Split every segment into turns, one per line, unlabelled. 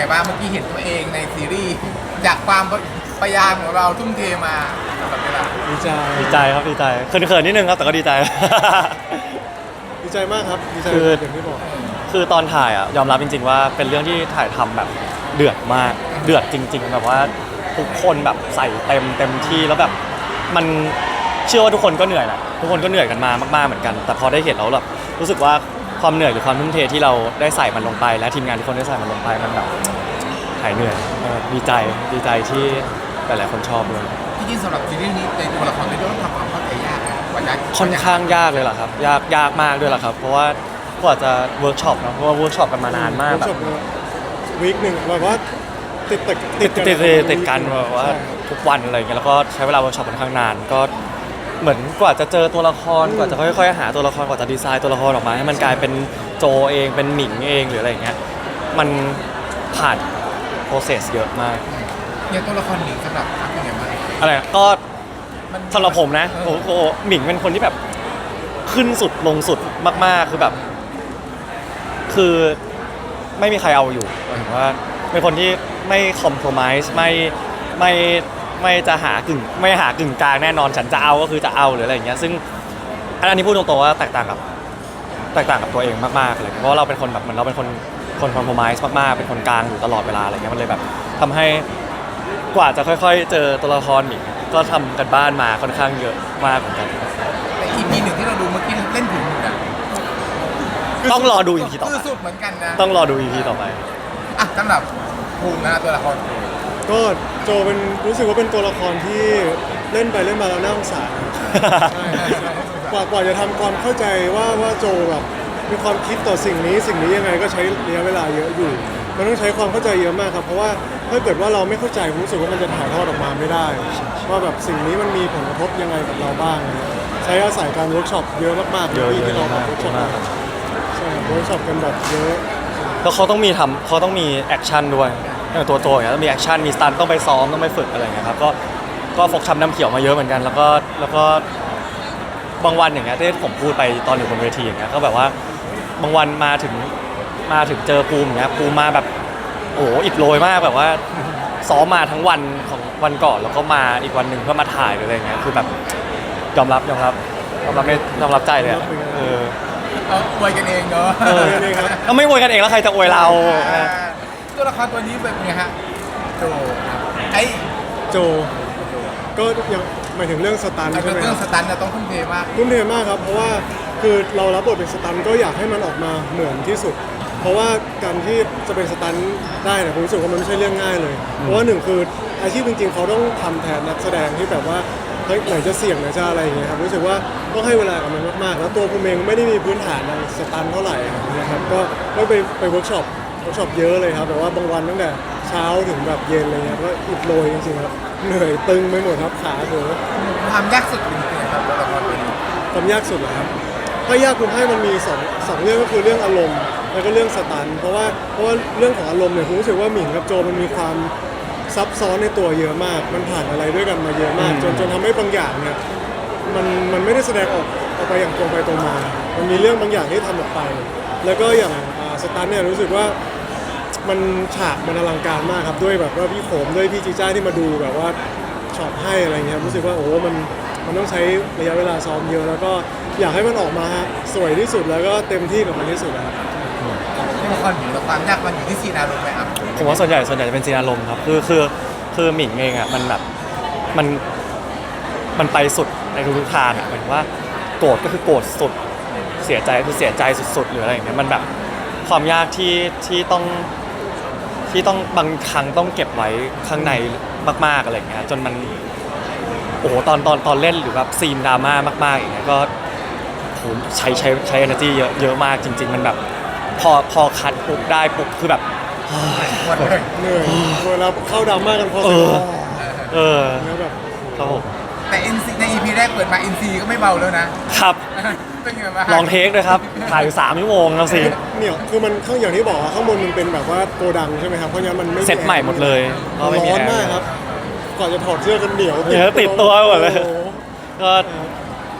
บ้างเมื่อกี้เห็นตัวเองในซีรีส์จากความพยายามของเราทุ่มเทมาตลอดเวลา
ดีใจ
ดีใจครับดีใจเขินๆนิดนึงครับแต่ก็ดีใจ
ดีใจมากครับดีใจอย่างที่บอก
คือตอนถ่ายอ่ะยอมรับจริงๆว่าเป็นเรื่องที่ถ่ายทำแบบเดือดมากเดือดจริงๆแบบว่าทุกคนแบบใส่เต็มที่แล้วแบบมันเชื่อว่าทุกคนก็เหนื่อยแหละทุกคนก็เหนื่อยกันมามากๆเหมือนกันแต่พอได้เห็นแล้วแบบรู้สึกว่าความเหนื่อยหรือความทุ่มเทที่เราได้ใส่มันลงไปและทีมงานทุกคนได้ใส่มันลงไปมันแบบหายเหนื่อยดีใจที่หลายๆคนชอบด้วย
ที่จริงสำหรับซีรีส์นี้ในตัวละครไม่ต้องทำความเข้าใจยากนะกว่าจะ
ค่อนข้างยากเลยล่ะครับยากมากด้วยล่ะครับเพราะว่ากว่าจะเวิร์กช็อปนะเพราะว่าเวิร์กช็อปกันมานานมากแบบ
วีคหนึ่งแบบว่าติด
กันแบบว่าทุกวันอะไรเงี้ยแล้วก็ใช้เวลาเวิร์กช็อปค่อนข้างนานก็เหมือนกว่าจะเจอตัวละครกว่าจะค่อยๆหาตัวละครกว่าจะดีไซน์ตัวละครออกมาให้มันกลายเป็นโจเองเป็นหมิงเองหรืออะไรเงี้ยมันผ่านโปรเซสเยอะมาก
เนี่ยตัวละครหนิงสำหรับทักเป็นไงบ้าง
อะไรก็สำหรับผมนะโอ้โหหมิงเป็นคนที่แบบขึ้นสุดลงสุดมากๆคือแบบคือไม่มีใครเอาอยู่หมายถึงว่าเป็นคนที่ไม่คอมโพรไมซ์ไม่จะหากึ่งกลางแน่นอนฉันจะเอาก็คือจะเอาหรืออะไรอย่างเงี้ยซึ่งอันนี้พูดตรงๆว่าแตกต่างกับตัวเองมากๆเลยเพราะว่าเราเป็นคนแบบเหมือนเราเป็นคนคอมโพรไมซ์มากๆเป็นคนกลางอยู่ตลอดเวลาอะไรเงี้ยมันเลยแบบทำให้กว่าจะค่อยๆเจอตัวละครหมิงก็ทำกันบ้านมาค่อนข้างเยอะมากเหมือนกัน
แต่ EP หนึ่งที่เราดูเมื่อกี้เล่นถึงนะ
ต้องรอดู EP ต่อไป
คือสุดเหมือนกันนะ
ต้องรอดู EP ต่อไป
อ่ะสำหรับภูมินะตัวละคร
ก็โจเป็นรู้สึกว่าเป็นตัวละครที่เล่นไปเล่นมาแล้วน่าสงสารกว่าจะทำความเข้าใจว่าโจแบบมีความคิดต่อสิ่งนี้ยังไงก็ใช้ระยะเวลาเยอะอยู่มันต้องใช้ความเข้าใจเยอะมากครับเพราะว่าถ้าเกิดว่าเราไม่เข้าใจผมรู้สึกว่ามันจะถ่ายทอดออกมาไม่ได้ว่าแบบสิ่งนี้มันมีผลกระทบยังไงกับเราบ้างใช้อาศัยการเวิร์กช็อปเยอะมากๆที่เราเวิร์กช็อปใช่เวิร์กช็อปกันแบบเยอะ
แล้วเขาต้องมีแอคชั่นด้วยตัวโจอย่างเงี้ยต้องมีแอคชั่นมีสตันต้องไปซ้อมต้องไปฝึกอะไรอย่างเงี้ยครับก็ฟกช้ำน้ำเขียวมาเยอะเหมือนกันแล้วก็บางวันอย่างเงี้ยที่ผมพูดไปตอนอยู่บนเวทีอย่างเงี้ยก็แบบว่าบางวันมาถึงเจอภูมิอย่างเงี้ยภูมิมาแบบโอ้โหอิดโรยมากแบบว่าซ้อมมาทั้งวันของวันก่อนแล้วก็มาอีกวันหนึ่งเพื่อมาถ่ายหรืออะไรเงี้ยคือแบบยอมรับใจเลยอ่ะ
อวยกันเองเนาะ
ก็ไม่อวยกันเองแล้วใครจะอวยเรา
ตัวละครตัวนี้เป็นไงฮะโจ
โจก็ยังหมายถึงเรื่องสตันใช่ไหม
เรื่องสตันจะต้องทุ่มเทมาก
ครับเพราะว่าคือเรารับบทเป็นสตันก็อยากให้มันออกมาเหมือนที่สุดเพราะว่าการที่จะเป็นสตันได้เนี่ยผมรู้สึกว่ามันไม่ใช่เรื่องง่ายเลยเพราะว่าหนึ่งคืออาชีพจริงๆเขาต้องทำแทนนักแสดงที่แบบว่าไหนจะเสี่ยงไหนจะอะไรอย่างเงี้ยครับรู้สึกว่าต้องให้เวลากับมันมากๆแล้วตัวผมเองไม่ได้มีพื้นฐานในสตันเท่าไหร่นะครับก็ไปเวิร์กช็อปเยอะเลยครับแบบว่าบางวันตั้งแต่เช้าถึงแบบเย็นอะไรเงี้ยก็อิดโรยจริงๆครับเหนื่อยตึงไปหมดครับขาเถอะ
ความยากสุดเป็นยังไงครับตัวละครตัวนี้
ความยากสุดเหรอครับถ้ายากผมให้มันมีสองเรื่องก็คือเรื่องอารมณ์แล้วก็เรื่องสตันเพราะว่าเรื่องของอารมณ์เนี่ยผมรู้สึกว่าหมิงกับโจมันมีความซับซ้อนในตัวเยอะมากมันผ่านอะไรด้วยกันมาเยอะมากจนทำให้บางอย่างเนี่ยมันไม่ได้แสดงออกไปอย่างตรงไปตรงมามันมีเรื่องบางอย่างที่ทำออกไปแล้วก็อย่างสตันเนี่ยรู้สึกว่ามันฉากมันอลังการมากครับด้วยแบบว่าพี่โขมด้วยพี่จีจ้าที่มาดูแบบว่าช็อตให้อะไรเงี้ยรู้สึกว่าโอ้มันต้องใช้ระยะเวลาซ้อมเยอะแล้วก็อยากให้มันออกมาสวยที่สุดแล้วก็เต็มที่กับมันที่สุดนะครับ
ตัวละครหมิงแล้วความยากมันอยู่ที่ซีนอารมณ์ไหมครับ
ผมว่าส่วนใหญ่จะเป็นซีนอารมณ์ครับคือหมิงเองอ่ะมันแบบมันไปสุดในทุกทางอ่ะเหมือนว่าโกรธก็คือโกรธสุดเสียใจคือเสียใจสุดๆหรืออะไรอย่างเงี้ยมันแบบความยากที่ต้องบางครั้งต้องเก็บไว้ข้างในมากๆอะไรอย่างเงี้ยจนมันโอ้โหตอนเล่นหรือแบบซีนดราม่ามากๆอย่างเงี้ยก็โหใช้ energy เยอะมากจริงๆมันแบบพอคัดปุ๊บได้ปุ๊บคือแบบ
เหนื่อยเวลาเข้าดราม่ากันพอ
แล้วแบบครับผม
แต่ใน EP แรกเปิดมา NC ก็ไม่เบาแล้วนะครับเป็นไงบ้าง
ลองเทคเลยครับถ่ายอยู่3 ชั่วโมงแล้วสิ
เนี่ยคือมันข้างอย่างที่บอกข้างบนมันเป็นแบบว่าโกดังใช่ไหมครับเพราะงั้นมันไม่
เซตใหม่หมดเลย
ร้อนมากครับก่อนจะถอดเสื้อกันเหนียว
ติดตัวหมดเลยก็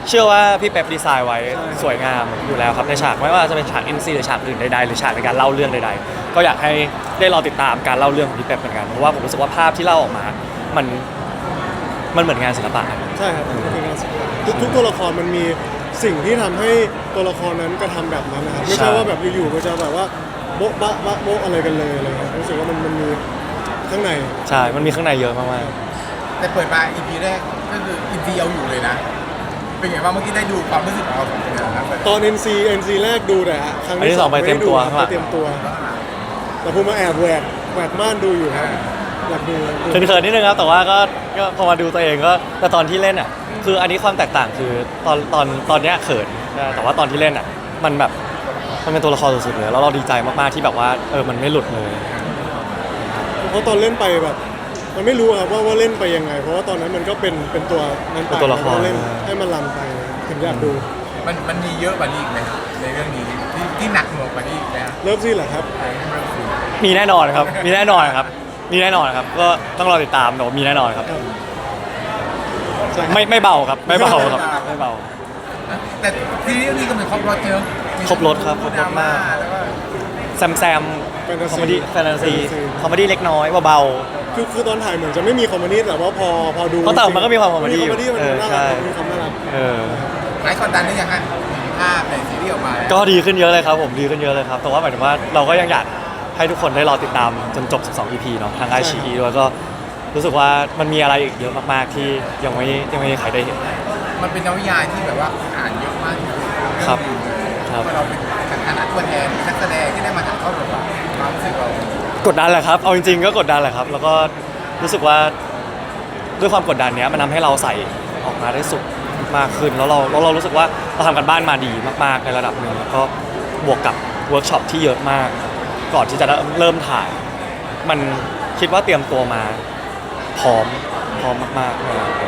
เชื่อว่าพี่เป๊ปดีไซน์ไว้
ใช่
สวยงามอยู่แล้วครับในฉากไม่ว่าจะเป็นฉาก NC หรือฉากอื่นใดๆหรือฉากในการเล่าเรื่องใดๆก็อยากให้ได้รอติดตามการเล่าเรื่องของพี่เป๊ปเหมือนกันเพราะว่าผมรู้สึกว่าภาพที่เล่าออกมา มันเหมือนงานศิลปะครับ
ใช่ครับมันคืองานศิลปะทุกตัวละครมันมีสิ่งที่ทำให้ตัวละครนั้นกระทำแบบนั้นนะครับไม่ใช่ว่าแบบอยู่ๆมันจะแบบว่าโบ๊ะบะบะโบ๊ะอะไรกันเลยอะไรเงี้ยรู้สึกว่ามันมีข้างใน
ใช่มันมีข้างในเยอะมาก
แต่เปิดมา EP แรกก็คือ EP เอาอยู่เลยนะ เป็นไงบ้างเมื่อกี้ได้ดูความรู้สึกของเราสองคนนะครับ
ตอน NC แรกดูแต่ครั้ง
อันที่สองไปเตรียมตัว
ไม่ได้ดูครับไปเตรียมตัว แต่ผมมาแอบแหวกม่านดูอยู่ครับอยากดู
ๆเขินๆนิดนึงครับแต่ว่าก็พอมาดูตัวเองก็แต่ตอนที่เล่นอ่ะคืออันนี้ความแตกต่างคือตอนเนี้ยเขินแต่ว่าตอนที่เล่นอ่ะมันแบบมันเป็นตัวละครสุดๆเลยแล้วเราดีใจมากๆที่แบบว่ามันไม่หลุดเลย
เพราะตอนเล่นไปแบบมันไม่รู้ครับว่าเล่นไปยังไง เพราะว่าตอนนั้นมันก็เป็นตัวนั้นไป
เป็นตัวละคร
เล่นให้มันรันไปถึงอยากดู
มันมีเยอะกว่านี้อีกไหมในเรื่องนี้ที่หนักหน่วงกว่านี้อีกไหม
เริ่มซี่แหละครับ
มีแน่นอนครับ มีแน่นอนครับ มีแน่นอนครับ ก็ต้องรอติดตามแต่ว่ามีแน่นอนครับ
ใช่
ไม่เบาครับ ไม่เบาครับ ไม่เบา
แต่ซีรีส์นี้ก็เหมือนครบรถเจอ
ครบรสครับครบรสมาก
แล้วก็
แซมคอมเมดี้แฟนตาซีคอมเมดี้เล็กน้อยเบา
คือตอนถ่ายเหมือนจะไม่มีคอมเมดี้แต่ว่าพอดู
เพราะแต่มันก็มีความคอมเมดี้
คอมเมดี้มัน
อยู่
น่า
ใช่
รักมีความน่ารัก
เออ
หลายคนดันได้ยังฮะมีภาพในซีรีส์ออกมาแล้ว
ก็ดีขึ้นเยอะเลยครับผมดีขึ้นเยอะเลยครับแต่ว่าหมายถึงว่าเราก็ยังอยากให้ทุกคนได้รอติดตามจนจบ 12 EP เนาะทางไอชีด้วยก็รู้สึกว่ามันมีอะไรอีกเยอะมากๆที่ยังไม่มีใครได้เห็น
มันเป็นนวนิยายที่แบบว่าอ่านเยอะมาก
ครับ
เพราะเราเป็นฐานะตัวแทนนักแสดงที่ได้มาถ่ายทอดบทบาทความรู้สึกเรา
กดดันแหละครับเอาจริงๆก็กดดันแหละครับ แล้วก็รู้สึกว่าด้วยความกดดันเนี้ยมันทำให้เราใส่ออกมาได้สุดมากขึ้นแล้วเรารู้สึกว่าเราทำกันบ้านมาดีมากๆในระดับหนึ่งแล้วก็บวกกับเวิร์กช็อปที่เยอะมาก ก่อนที่จะเริ่มถ่าย มันคิดว่าเตรียมตัวมาพร้อมมากๆเลยครับ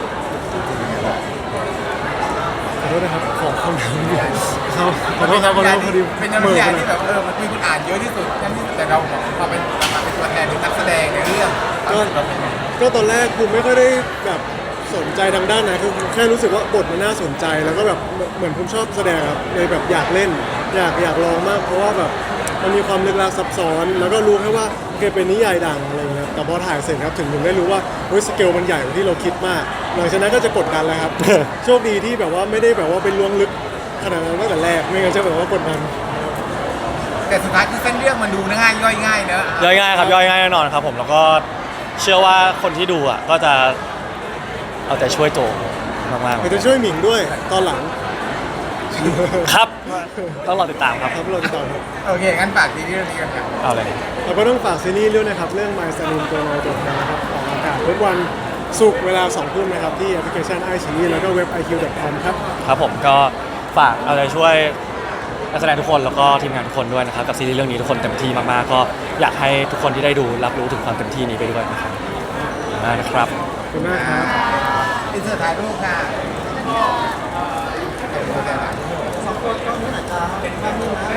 ขอโทษนะครับขอคำถามเดียวครับขอโทษครับขอโทษพอดี
เป็นนวนิยายที่แบบมันมีคนอ่านเยอะที่สุดแต่เรามาเป็นตัวแทนเป็นนักแสดงในเรื่องเราเป็นไง
ก็ตอนแรกภูมิไม่ค่อยได้แบบสนใจทางด้านไหนคือแค่รู้สึกว่าบทมันน่าสนใจแล้วก็แบบเหมือนภูมิชอบแสดงครับเลยแบบอยากเล่น อยากลองมาก เพราะว่าแบบมันมีความลึกลับซับซ้อน แล้วก็รู้แค่ว่าโอเคเป็นนิยายดังอะไรอย่างเงี้ยแต่พอถ่ายเสร็จครับถึงได้รู้ว่าเฮ้ยสเกลมันใหญ่กว่าที่เราคิดมากหลังจากนั้นก็จะกดดันแล้วครับ โชคดีที่แบบว่าไม่ได้แบบว่าเป็นล้วงลึกขนาดนั้นตั้งแต่แรกไม่งั้นจะแบบว่ากดดัน
แต่สุดท้ายคือเส้นเรื่องมันดูง่ายย่อยง่ายเนอะ
ย่อยง่ายครับย่อยง่ายแน่นอนครับผมแล้วก็เชื่อว่าคนที่ดูอ่ะก็จะเอาใจช่วยโจมาก
เดี๋ยวจะช่วยหมิงด้วยตอนหลัง
ๆครับต้องรอติดตามครับ
ครับเราจะต่อครับ
โอเคงั้นฝากซีรีส์เรื่องนี้กันครับ
เอาเลย
เราก็ต้องฝากซีรีส์ด้วยนะครับ เรื่อง My Salim ตัวน้อยตัวแทนนะครับออกอากาศทุกวันศุกร์เวลา 2 ทุ่มนะครับ ที่แอปพลิเคชัน iQIYI แล้วก็เว็บ iq.com ครับ
ครับผมก็ฝากเอาใจช่วยนักแสดงทุกคนแล้วก็ทีมงานทุกคนด้วยนะครับกับซีรีส์เรื่องนี้ทุกคนเต็มที่มากๆก็อยากให้ทุกคนที่ได้ดูรับรู้ถึงความเต็มที่นี้ไปด้วยนะครับขอบคุณมากนะครับ
ขอบคุณมากครับ
อินเสิร์ตถ่ายรูปค่ะ
สองคนก็เหมือนอาจจะเป็นภาพนิ่งนะ